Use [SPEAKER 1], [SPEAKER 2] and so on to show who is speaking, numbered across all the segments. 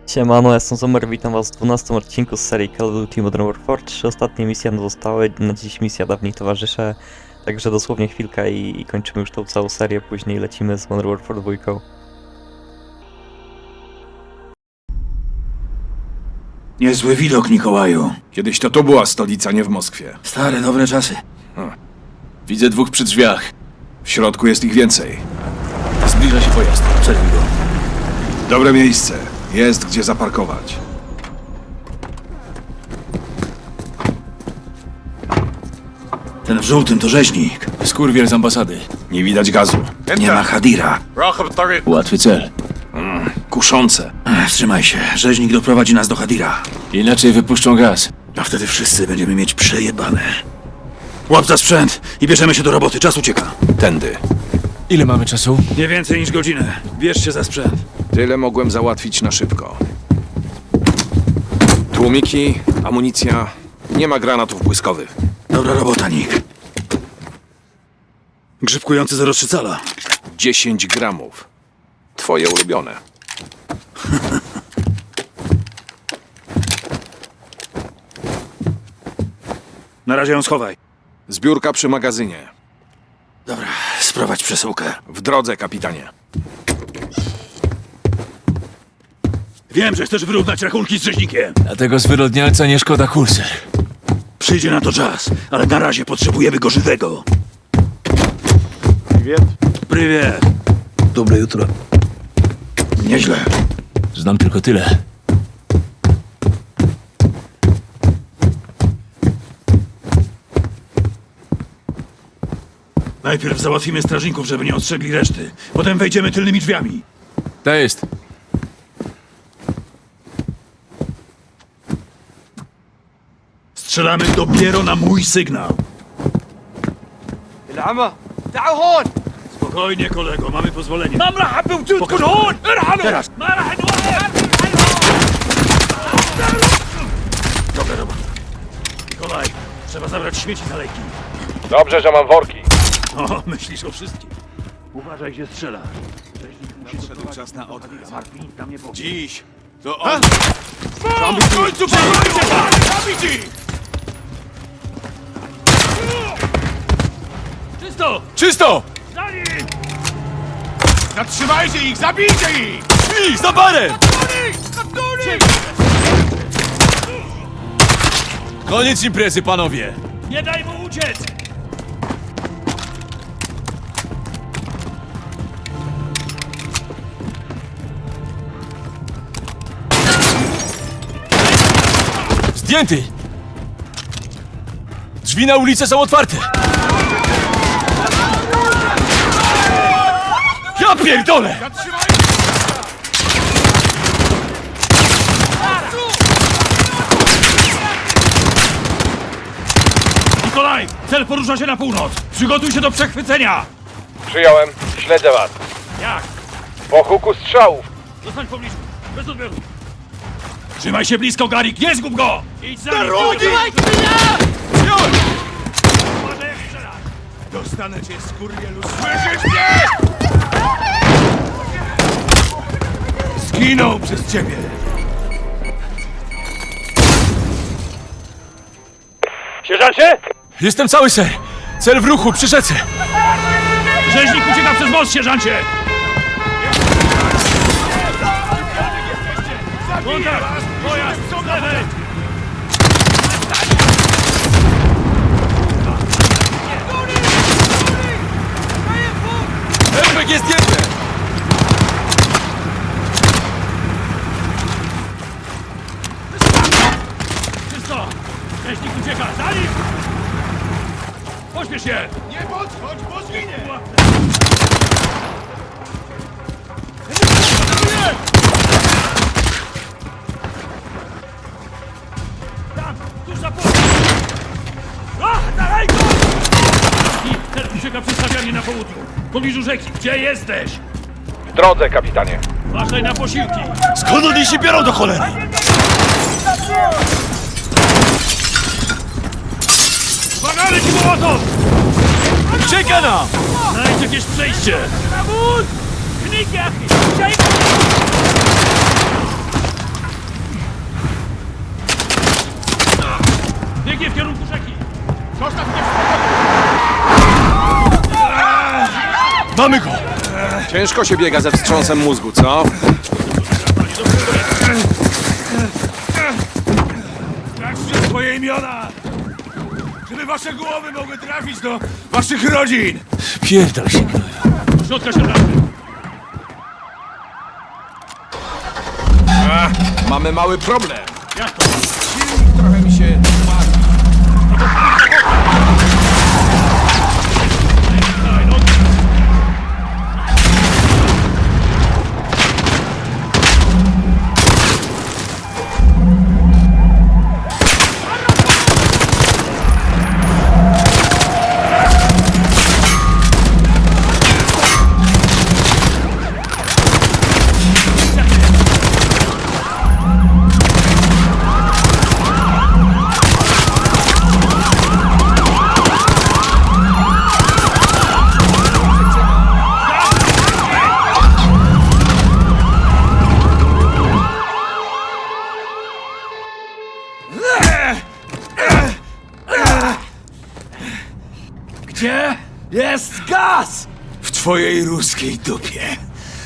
[SPEAKER 1] Siemano, jestem Zomer, witam was w 12 odcinku z serii Call of Duty Modern Warfare 3. Ostatnie misje nam zostały, na dziś misja Dawni Towarzysze, także dosłownie chwilkę i kończymy już tą całą serię, później lecimy z Modern Warfare 2.
[SPEAKER 2] Niezły widok, Mikołaju.
[SPEAKER 3] Kiedyś to była stolica, nie w Moskwie.
[SPEAKER 2] Stare, dobre czasy.
[SPEAKER 3] Widzę dwóch przy drzwiach. W środku jest ich więcej.
[SPEAKER 2] Zbliża się pojazd. Przerwij go.
[SPEAKER 3] Dobre miejsce. Jest gdzie zaparkować.
[SPEAKER 2] Ten w żółtym to rzeźnik.
[SPEAKER 4] Skurwiel z ambasady.
[SPEAKER 3] Nie widać gazu.
[SPEAKER 2] Nie ma Hadira.
[SPEAKER 4] Łatwy cel.
[SPEAKER 3] Kuszące.
[SPEAKER 2] Wstrzymaj się. Rzeźnik doprowadzi nas do Hadira.
[SPEAKER 4] Inaczej wypuszczą gaz.
[SPEAKER 2] A wtedy wszyscy będziemy mieć przejebane. Łap za sprzęt i bierzemy się do roboty. Czas ucieka.
[SPEAKER 3] Tędy.
[SPEAKER 4] Ile mamy czasu?
[SPEAKER 2] Nie więcej niż godzinę. Bierz się za sprzęt.
[SPEAKER 3] Tyle mogłem załatwić na szybko. Tłumiki, amunicja. Nie ma granatów błyskowych.
[SPEAKER 2] Dobra robota, Nick. Grzybkujący 0,3 cala.
[SPEAKER 3] 10 gramów. Twoje ulubione.
[SPEAKER 2] Na razie ją schowaj.
[SPEAKER 3] Zbiórka przy magazynie.
[SPEAKER 2] Dobra, sprowadź przesyłkę.
[SPEAKER 3] W drodze, kapitanie.
[SPEAKER 2] Wiem, że chcesz wyrównać rachunki z rzeźnikiem.
[SPEAKER 4] Dlatego zwyrodnialca nie szkoda kurser.
[SPEAKER 2] Przyjdzie na to czas, ale na razie potrzebujemy go żywego. Prywiet. Dobre jutro. Nieźle.
[SPEAKER 4] Znam tylko tyle.
[SPEAKER 2] Najpierw załatwimy strażników, żeby nie ostrzegli reszty. Potem wejdziemy tylnymi drzwiami.
[SPEAKER 4] To jest.
[SPEAKER 2] Strzelamy dopiero na mój sygnał.
[SPEAKER 5] العمى تعالوا هون
[SPEAKER 2] Spokojnie, kolego, mamy pozwolenie.
[SPEAKER 5] ما راح احب وجودكم هون ارحلوا
[SPEAKER 2] Teraz.
[SPEAKER 5] ما راح نوقف
[SPEAKER 2] Dobra robota. Nikolaj, trzeba zabrać śmieci na leki.
[SPEAKER 3] Dobrze, że mam worki.
[SPEAKER 2] O, myślisz o wszystkim. Uważaj, gdzie strzela. Nadszedł czas na odjazd. Martwi, nic tam nie powie.
[SPEAKER 3] Dziś. To
[SPEAKER 5] w końcu powołajcie
[SPEAKER 2] Czysto!
[SPEAKER 4] Czysto!
[SPEAKER 5] za nim!
[SPEAKER 3] Zatrzymajcie ich, zabijcie ich!
[SPEAKER 4] I za barem! Koniec imprezy, panowie!
[SPEAKER 5] Nie daj mu uciec!
[SPEAKER 4] Zdjęty! Drzwi na ulicę są otwarte! Ja pierdolę!
[SPEAKER 2] Nikolaj, cel porusza się na północ. Przygotuj się do przechwycenia.
[SPEAKER 6] Przyjąłem. Śledzę was.
[SPEAKER 2] Jak?
[SPEAKER 6] Po huku strzałów.
[SPEAKER 2] Zostań w pobliżu. Bez odbioru. Trzymaj się blisko, Garik. Nie zgub go! Idź za nim. Uważaj, jak strzela.
[SPEAKER 3] Dostanę cię, skurwielu. Słyszysz mnie?
[SPEAKER 2] Zginął przez ciebie.
[SPEAKER 6] Sierżancie?
[SPEAKER 4] Jestem cały, ser! Cel w ruchu, przy rzece!
[SPEAKER 2] Rzeźnik ucieka przez most, sierżancie. Kontakt! Pojazd z lewej!
[SPEAKER 4] RPG zdjęte!
[SPEAKER 2] Czysto! Rzeźnik ucieka! Za nim! Pośpiesz się!
[SPEAKER 3] Nie podchodź, bo zginie!
[SPEAKER 2] Tam! Tuż za płotem! Dalej go! I ten ucieka przy stawianie na południu. W pobliżu rzeki. Gdzie jesteś?
[SPEAKER 6] W drodze, kapitanie.
[SPEAKER 2] Uważaj na posiłki.
[SPEAKER 4] Skąd oni się biorą do cholery?
[SPEAKER 2] Uwaga, leci Mołotow!
[SPEAKER 4] Czeka nam!
[SPEAKER 2] Znajdź jakieś przejście!
[SPEAKER 5] كنيك يا اخي شايف
[SPEAKER 4] Mamy go!
[SPEAKER 3] Ciężko się biega ze wstrząsem mózgu, co?
[SPEAKER 5] Sprawdźcie swoje imiona! Żeby wasze głowy mogły trafić do waszych rodzin!
[SPEAKER 4] Pierdol się, gnoju.
[SPEAKER 5] Środka sierżanty!
[SPEAKER 3] Mamy mały problem.
[SPEAKER 5] Jak to?
[SPEAKER 3] Silnik trochę mi się...
[SPEAKER 5] Gdzie jest gaz?
[SPEAKER 2] W twojej ruskiej dupie.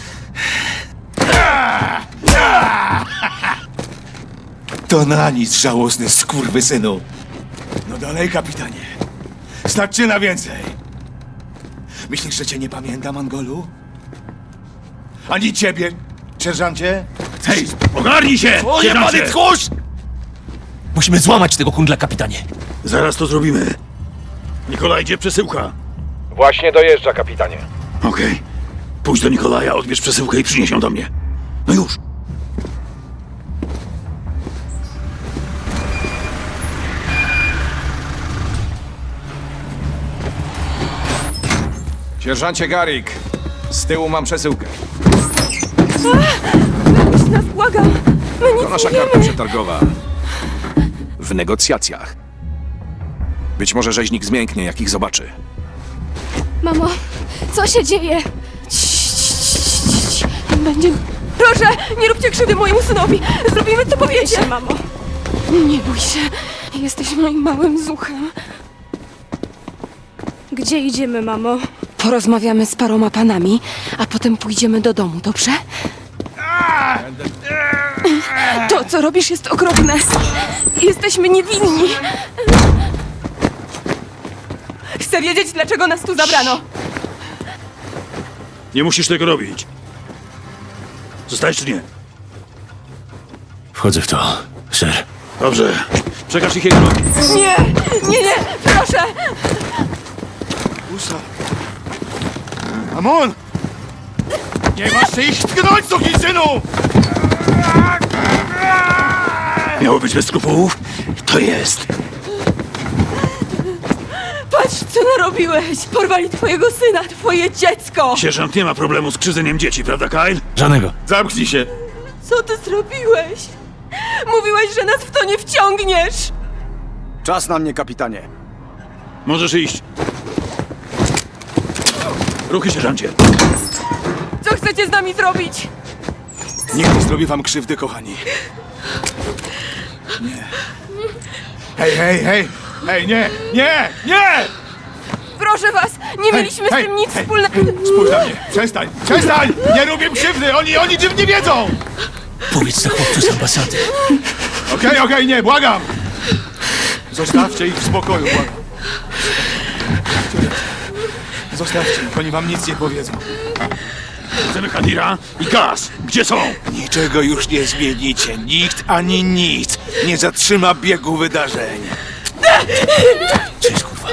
[SPEAKER 2] To na nic, żałosny skurwysynu. No dalej, kapitanie. Stać cię na więcej. Myślisz, że cię nie pamiętam, Angolu? Ani ciebie, sierżancie?
[SPEAKER 5] Hej, ogarnij się! Sierżancie!
[SPEAKER 4] tchórz! Musimy złamać tego kundla, kapitanie.
[SPEAKER 5] Zaraz to zrobimy. Nikolaj, gdzie przesyłka?
[SPEAKER 6] Właśnie dojeżdża, kapitanie.
[SPEAKER 5] Okej. Pójdź do Nikolaja, odbierz przesyłkę i przynieś ją do mnie. No już.
[SPEAKER 3] Sierżancie Garrick, z tyłu mam przesyłkę.
[SPEAKER 7] Wypuść nas, błagam! My nic
[SPEAKER 3] To nasza
[SPEAKER 7] nie
[SPEAKER 3] karta
[SPEAKER 7] wiemy!
[SPEAKER 3] przetargowa. W negocjacjach. Być może rzeźnik zmięknie, jak ich zobaczy.
[SPEAKER 7] Mamo, co się dzieje? Cii. Będzie... Proszę, nie róbcie krzywdy mojemu synowi! Zrobimy, co powiecie! Mamo. Nie bój się. Jesteś moim małym zuchem. Gdzie idziemy, mamo? Porozmawiamy z paroma panami, a potem pójdziemy do domu, dobrze? To, co robisz, jest okropne. Jesteśmy niewinni. Chcę wiedzieć, dlaczego nas tu zabrano.
[SPEAKER 5] Nie musisz tego robić. Zostajesz czy nie?
[SPEAKER 4] Wchodzę w to, ser.
[SPEAKER 5] Dobrze. Przekaż ich jego nogi.
[SPEAKER 7] Nie, proszę!
[SPEAKER 2] Amon! Nie masz się ich tknąć, sukinsynu!
[SPEAKER 5] Miało być bez skrupułów? To jest.
[SPEAKER 7] Patrz, co narobiłeś! Porwali twojego syna, twoje dziecko!
[SPEAKER 5] Sierżant nie ma problemu z krzywdzeniem dzieci, prawda, Kyle?
[SPEAKER 4] Żadnego.
[SPEAKER 2] Zamknij się!
[SPEAKER 7] Co ty zrobiłeś? Mówiłeś, że nas w to nie wciągniesz!
[SPEAKER 2] Czas na mnie, kapitanie.
[SPEAKER 5] Możesz iść. Ruchy, sierżancie.
[SPEAKER 7] Co chcecie z nami zrobić?
[SPEAKER 2] Nikt nie zrobi wam krzywdy, kochani. Nie. Hej! Hej, nie!
[SPEAKER 7] Proszę was, nie mieliśmy z tym nic wspólnego.
[SPEAKER 2] Spójrz na mnie! Przestań! Nie robię krzywdy! Oni o niczym nie wiedzą!
[SPEAKER 4] Powiedz to chłopcu z ambasady.
[SPEAKER 2] Okej, nie, błagam! Zostawcie ich w spokoju, błagam. Zostawcie ich, oni wam nic nie powiedzą.
[SPEAKER 5] Chcemy Kadira i gaz. Gdzie są?
[SPEAKER 2] Niczego już nie zmienicie. Nikt ani nic nie zatrzyma biegu wydarzeń.
[SPEAKER 4] Cześć, kurwa.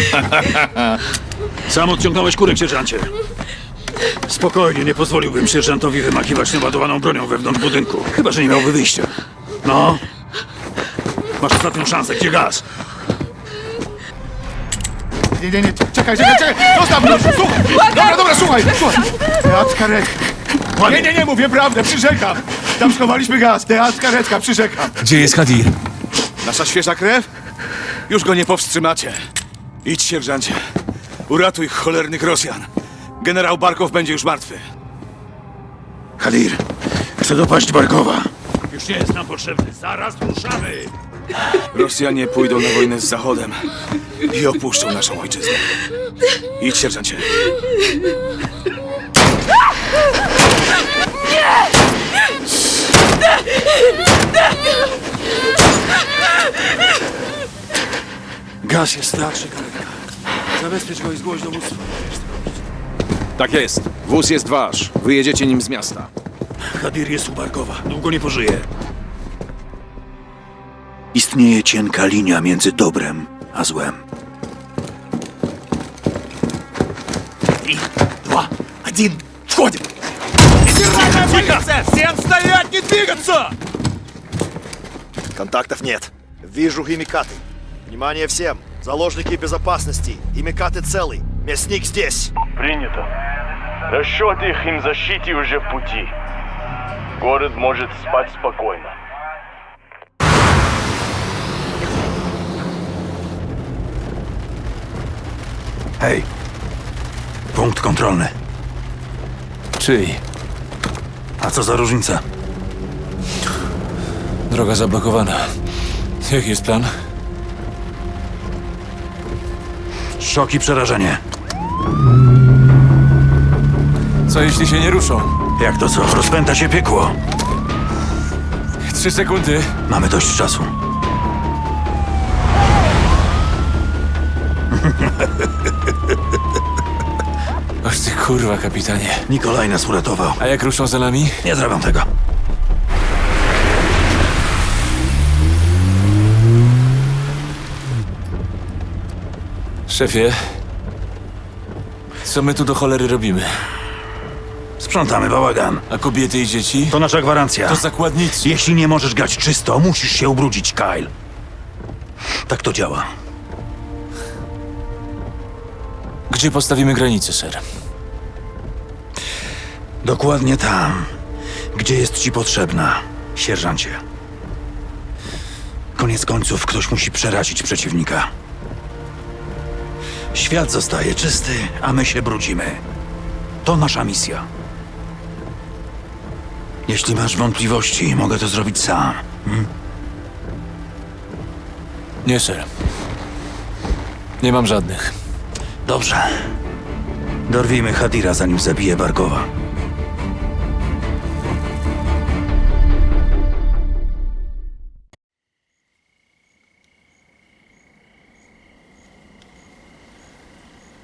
[SPEAKER 5] Sam odciągnąłeś kurek, sierżancie. Spokojnie, nie pozwoliłbym sierżantowi wymachiwać naładowaną bronią wewnątrz budynku. Chyba że nie miałby wyjścia. No. Masz ostatnią szansę. Gdzie gaz?
[SPEAKER 2] Nie, czekaj! Zostaw mnie! Słuchaj! Dobra, słuchaj! Teatr karetka. Nie, mówię prawdę, przyrzekam. Tam schowaliśmy gaz. Teatr karetka, przyrzekam.
[SPEAKER 4] Gdzie jest Kadir?
[SPEAKER 2] Nasza świeża krew? Już go nie powstrzymacie. Idź, sierżancie. Uratuj cholernych Rosjan. Generał Barkow będzie już martwy.
[SPEAKER 5] Kadir, chcę dopaść Barkowa. Już nie jest nam potrzebny. Zaraz ruszamy.
[SPEAKER 2] Rosjanie pójdą na wojnę z Zachodem i opuszczą naszą ojczyznę. Idź, sierżancie.
[SPEAKER 5] Gaz jest starszy, Karetka. Zabezpiecz go i zgłoś dowództwo.
[SPEAKER 3] Tak jest. Wóz jest wasz. Wyjedziecie nim z miasta.
[SPEAKER 5] Hadir jest u Barkowa. Długo nie pożyje.
[SPEAKER 8] Istnieje cienka linia między dobrem a złem.
[SPEAKER 2] 3, 2, 1, wchodим!
[SPEAKER 9] Контактов нет. Вижу химикаты. Внимание всем! Заложники безопасности. Химикаты целый. Мясник здесь.
[SPEAKER 10] Принято. Расчеты их химзащите уже в пути. Город может спать спокойно.
[SPEAKER 5] Hej. Punkt kontrolny.
[SPEAKER 4] Czyj?
[SPEAKER 5] A co za różnica?
[SPEAKER 4] Droga zablokowana. Jaki jest plan?
[SPEAKER 5] Szok i przerażenie.
[SPEAKER 4] Co jeśli się nie ruszą?
[SPEAKER 5] Jak to co? Rozpęta się piekło.
[SPEAKER 4] 3 sekundy.
[SPEAKER 5] Mamy dość czasu.
[SPEAKER 4] Oż ty kurwa, kapitanie.
[SPEAKER 5] Nikolaj nas uratował.
[SPEAKER 4] A jak ruszą za nami?
[SPEAKER 5] Nie zrobią tego.
[SPEAKER 4] Szefie, co my tu do cholery robimy?
[SPEAKER 5] Sprzątamy bałagan.
[SPEAKER 4] A kobiety i dzieci?
[SPEAKER 5] To nasza gwarancja.
[SPEAKER 4] To zakładnicy.
[SPEAKER 5] Jeśli nie możesz grać czysto, musisz się ubrudzić, Kyle. Tak to działa.
[SPEAKER 4] Gdzie postawimy granicę, ser?
[SPEAKER 5] Dokładnie tam, gdzie jest ci potrzebna, sierżancie. Koniec końców ktoś musi przerazić przeciwnika. Świat zostaje czysty, a my się brudzimy. To nasza misja. Jeśli masz wątpliwości, mogę to zrobić sam.
[SPEAKER 4] Nie, ser. Nie mam żadnych.
[SPEAKER 5] Dobrze. Dorwijmy Hadira, zanim zabije Barkowa.